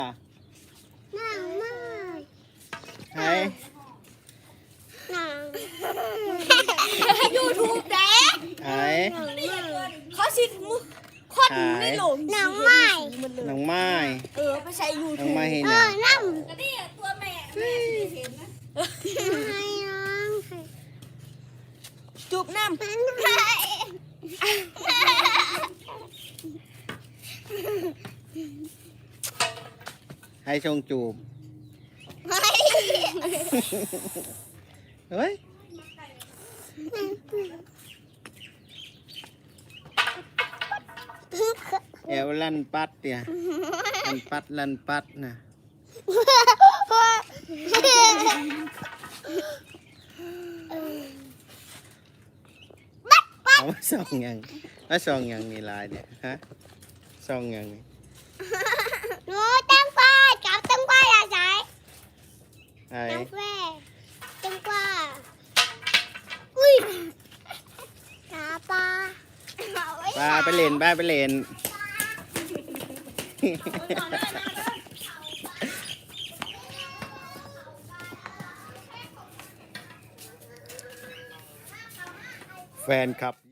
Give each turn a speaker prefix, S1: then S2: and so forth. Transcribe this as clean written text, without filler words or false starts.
S1: หนังมาก
S2: ไหน
S1: หนัง
S3: ยูทูบแดง
S2: ไหน
S3: เขาสิมือควันไม่หลง
S1: หนังไม้
S2: น้องไม้
S3: ไปใช้ยู
S2: น้อ
S3: ทู
S2: ง
S3: บ
S2: ไม้เห็น
S1: เอ
S2: ยั
S1: อง น้ำ
S3: ก็นี่ตัวแม่เห็นนะ
S1: ให้น้อง
S3: จูบน้
S1: มันไป
S2: ให้ชงจูบเฮ้ยเอวลั่นปัดเนี่ยลั่นปัดนะเอามาส่องยังมาส่องยังนี่ลายเนี่ยฮะส่องยังนี่
S1: หนูตั้งป้าจับตั้งป้าอย่าใช้
S2: ไอ้
S1: น้ำแร่ตั้งป้าอุ้ยตาปลา
S2: ป้าไปเล่นป้าไปเล่นแฟนคลับ